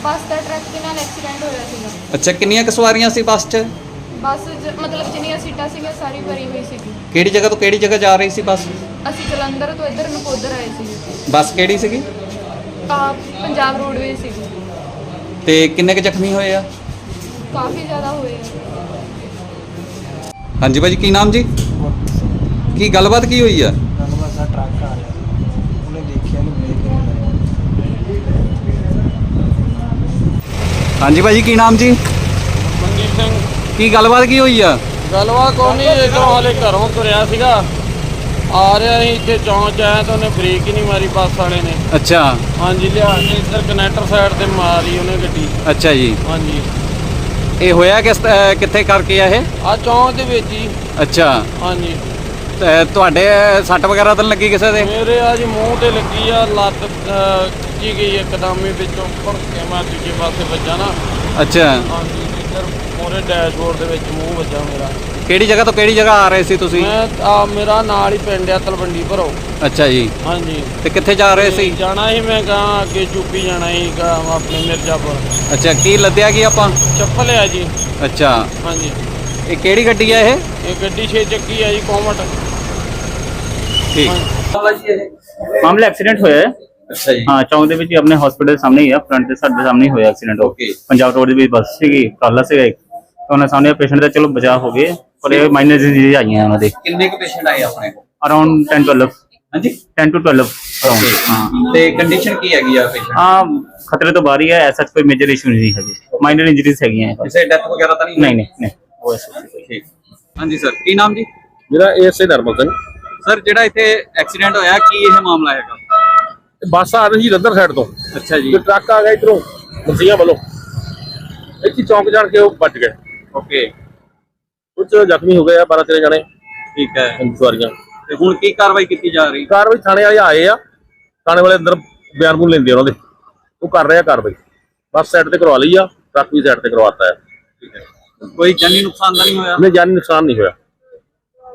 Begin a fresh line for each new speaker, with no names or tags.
ਬੱਸ ਦਾ truck ਦੇ ਨਾਲ accident ਹੋਇਆ ਸੀਗਾ।
ਅੱਛਾ, ਕਿੰਨੀਆਂ ਕੁ ਸਵਾਰੀਆਂ ਸੀ ਬੱਸ 'ਚ?
ਬੱਸ ਮਤਲਬ ਜਿੰਨੀਆਂ ਸੀਟਾਂ ਸੀਗੀਆਂ ਸਾਰੀ ਭਰੀ ਹੋਈ ਸੀਗੀ।
ਕਿਹੜੀ ਜਗ੍ਹਾ ਤੋਂ ਕਿਹੜੀ ਜਗ੍ਹਾ ਜਾ ਰਹੀ ਸੀ ਬੱਸ?
ਅਸੀਂ ਜਲੰਧਰ ਤੋਂ ਇੱਧਰ ਨਕੋਦਰ ਆਏ ਸੀਗੇ।
ਬੱਸ ਕਿਹੜੀ ਸੀਗੀ?
ਪੰਜਾਬ ਰੋਡਵੇਜ਼ ਸੀਗੀ।
ਤੇ ਕਿੰਨੇ ਕੁ ਜ਼ਖਮੀ ਹੋਏ ਆ?
ਕਾਫੀ ਜ਼ਿਆਦਾ ਹੋਏ ਆ।
ਹਾਂਜੀ ਭਾਜੀ, ਕੀ ਨਾਮ ਜੀ? ਕੀ ਗੱਲਬਾਤ ਕੀ ਹੋਈ ਆ?
ਗੱਲਬਾਤ ਦਾ ਟਰੱਕ ਆ ਰਿਹਾ ਸੀ, ਉਹਨੇ ਦੇਖਿਆ ਨਹੀਂ, ਬ੍ਰੇਕ ਨਹੀਂ ਲਾਇਆ।
ਹਾਂਜੀ ਭਾਜੀ, ਕੀ ਨਾਮ ਜੀ?
ਮਨਜੀਤ ਸਿੰਘ।
ਕੀ ਗੱਲਬਾਤ ਕੀ ਹੋਈ ਆ?
ਗੱਲਬਾਤ ਕੋਈ ਨਹੀਂ, ਇੱਧਰੋਂ ਹਾਲੇ ਘਰੋਂ ਤੁਰਿਆ ਸੀਗਾ, ਆ ਰਿਹਾ ਸੀ, ਇੱਥੇ ਚੌਂਚ ਆਇਆ ਤਾਂ ਉਹਨੇ ਬ੍ਰੇਕ ਹੀ ਨਹੀਂ ਮਾਰੀ ਬੱਸ ਵਾਲੇ ਨੇ।
ਅੱਛਾ।
ਹਾਂਜੀ, ਲਿਆ ਕੇ ਇੱਧਰ ਕਨੈਕਟਰ ਸਾਈਡ ਤੇ ਮਾਰੀ ਉਹਨੇ ਗੱਡੀ।
ਅੱਛਾ ਜੀ।
ਹਾਂਜੀ।
ਇਹ ਹੋਇਆ ਕਿੱਥੇ ਕਰਕੇ ਆ ਇਹ?
ਆ ਚੌਂਚ ਦੇ ਵਿੱਚ ਹੀ।
ਅੱਛਾ।
ਹਾਂਜੀ।
ਤੇ ਤੁਹਾਡੇ ਸੱਟ ਵਗੈਰਾ ਤਾਂ ਨੀ ਲੱਗੀ ਕਿਸੇ ਦੇ?
ਮੇਰੇ ਆ ਜੀ ਮੂੰਹ ਤੇ ਲੱਗੀ ਆ, ਲੱਤ ਖਿੱਚੀ ਗਈ ਇੱਕਦਮ ਹੀ, ਵਿੱਚੋਂ ਭੜ ਕੇ ਮੈਂ ਦੂਜੇ ਪਾਸੇ ਵੱਜਾ ਨਾ।
ਅੱਛਾ।
ਹਾਂਜੀ, ਇੱਧਰ ਮੋਰੇ ਡੈਸ਼ਬੋਰਡ ਦੇ ਵਿੱਚ ਮੂੰਹ ਵੱਜਾ ਮੇਰਾ।
ਕਿਹੜੀ ਜਗ੍ਹਾ ਤੋਂ ਕਿਹੜੀ ਜਗ੍ਹਾ ਆ ਰਹੇ ਸੀ ਤੁਸੀਂ?
ਮੈਂ ਮੇਰਾ ਨਾਲ ਹੀ ਪਿੰਡ ਆ ਤਲਵੰਡੀ ਭਰੋ।
ਅੱਛਾ ਜੀ।
ਹਾਂਜੀ।
ਤੇ ਕਿੱਥੇ ਜਾ ਰਹੇ ਸੀ?
ਜਾਣਾ ਸੀ ਮੈਂ ਕਹਾਂ ਅੱਗੇ ਯੂਪੀ ਜਾਣਾ ਸੀ ਆਪਣੇ ਮਿਰਜ਼ਾਪੁਰ।
ਅੱਛਾ, ਕੀ ਲੱਦਿਆ ਕੀ ਆਪਾਂ?
ਚੱਪਲ ਆ ਜੀ।
ਅੱਛਾ।
ਹਾਂਜੀ।
ਇਹ ਕਿਹੜੀ ਗੱਡੀ ਆ ਇਹ?
ਇਹ ਗੱਡੀ 6 ਚੱਕੀ ਆ ਜੀ, ਕੋਮਟ।
ਠੀਕ।
ਮਾਮਲਾ ਐਕਸੀਡੈਂਟ ਹੋਇਆ ਹੈ।
ਅੱਛਾ ਜੀ।
ਹਾਂ, ਚੌਂਕ ਦੇ ਵਿੱਚ ਹੀ ਆਪਣੇ ਹਸਪੀਟਲ ਦੇ ਸਾਹਮਣੇ ਹੀ ਆ, ਫਰੰਟ ਦੇ ਸਾਡੇ ਸਾਹਮਣੇ ਹੀ ਹੋਇਆ ਐਕਸੀਡੈਂਟ।
ਓਕੇ।
ਪੰਜਾਬ ਰੋਡ ਦੇ ਵਿੱਚ ਬੱਸ ਸੀਗੀ, ਕਾਲਾ ਸੀਗਾ ਇੱਕ, ਉਹਨਾਂ ਸਾਹਮਣੇ ਪੇਸ਼ੈਂਟ ਦਾ ਚਲੋ ਬਚਾਅ ਹੋ ਗਏ, ਪਰ ਇਹ ਮਾਈਨਰ ਡਿਜ਼ੀਜ਼ ਆਈਆਂ ਉਹਨਾਂ ਦੇ।
ਕਿੰਨੇ ਕੁ ਪੇਸ਼ੈਂਟ ਆਏ ਆਪਣੇ ਕੋਲ?
ਅਰਾਊਂਡ 10 12।
ਹਾਂਜੀ,
10 to 12 ਅਰਾਊਂਡ। ਹਾਂ,
ਤੇ ਕੰਡੀਸ਼ਨ ਕੀ ਹੈਗੀ ਆ ਪੇਸ਼ੈਂਟ?
ਹਾਂ, ਖਤਰੇ ਤੋਂ ਬਾਹਰ ਹੀ ਹੈ, ਐਸਾ ਕੋਈ ਮੇਜਰ ਇਸ਼ੂ ਨਹੀਂ ਹੈਗੀ, ਮਾਈਨਰ ਇੰਜਰੀਜ਼ ਹੈਗੀਆਂ।
ਕਿਸੇ ਡੈਥ ਵਗੈਰਾ ਤਾਂ ਨਹੀਂ?
ਨਹੀਂ ਉਹ ਐਸਾ
ਠੀਕ। ਹਾਂਜੀ ਸਰ, ਕੀ ਨਾਮ ਜੀ?
ਮੇਰਾ ਏਐਸਏ ਨਰਮਲ ਸਿੰਘ।
ਸਰ, ਜਿਹੜਾ ਇੱਥੇ ਐਕਸੀਡੈਂਟ ਹੋਇਆ, ਕੀ ਇਹ ਮਾਮਲਾ ਹੈਗਾ?
ਬੱਸ ਆ ਰਹੀ ਜਲੰਧਰ ਸਾਈਡ ਤੋਂ,
ਅੱਛਾ ਜੀ।
ਤੇ ਟਰੱਕ ਆ ਗਿਆ ਇਧਰੋਂ ਮਸੀਆਂ ਵੱਲੋਂ, ਇੱਥੇ ਚੌਂਕ ਜਾਣ ਕੇ ਉਹ ਵੱਜ ਗਏ।
ਓਕੇ।
ਕੁਝ ਜ਼ਖਮੀ ਹੋ ਗਏ ਆ, 12 13 ਜਣੇ
ਠੀਕ ਹੈ।
ਸਵਾਰੀਆਂ।
ਤੇ ਹੁਣ ਕੀ ਕਾਰਵਾਈ ਕੀਤੀ ਜਾ ਰਹੀ?
ਕਾਰਵਾਈ ਥਾਣੇ ਵਾਲੇ ਆਏ ਆ, ਥਾਣੇ ਵਾਲੇ ਅੰਦਰ ਬਿਆਨ ਬੂਨ ਲੈਂਦੇ ਉਹਨਾਂ ਦੇ, ਉਹ ਕਰ ਰਹੇ ਆ ਕਾਰਵਾਈ। ਬੱਸ ਸਾਈਡ ਤੇ ਕਰਵਾ ਲਈ ਆ, ਟਰੱਕ ਵੀ ਸਾਈਡ ਤੇ ਕਰਵਾਤਾ ਹੈ।
ਠੀਕ ਹੈ। ਕੋਈ ਜਾਨੀ ਨੁਕਸਾਨ ਤਾਂ ਨਹੀਂ ਹੋਇਆ?
ਨਹੀਂ, ਜਾਨੀ ਨੁਕਸਾਨ ਨਹੀਂ ਹੋਇਆ।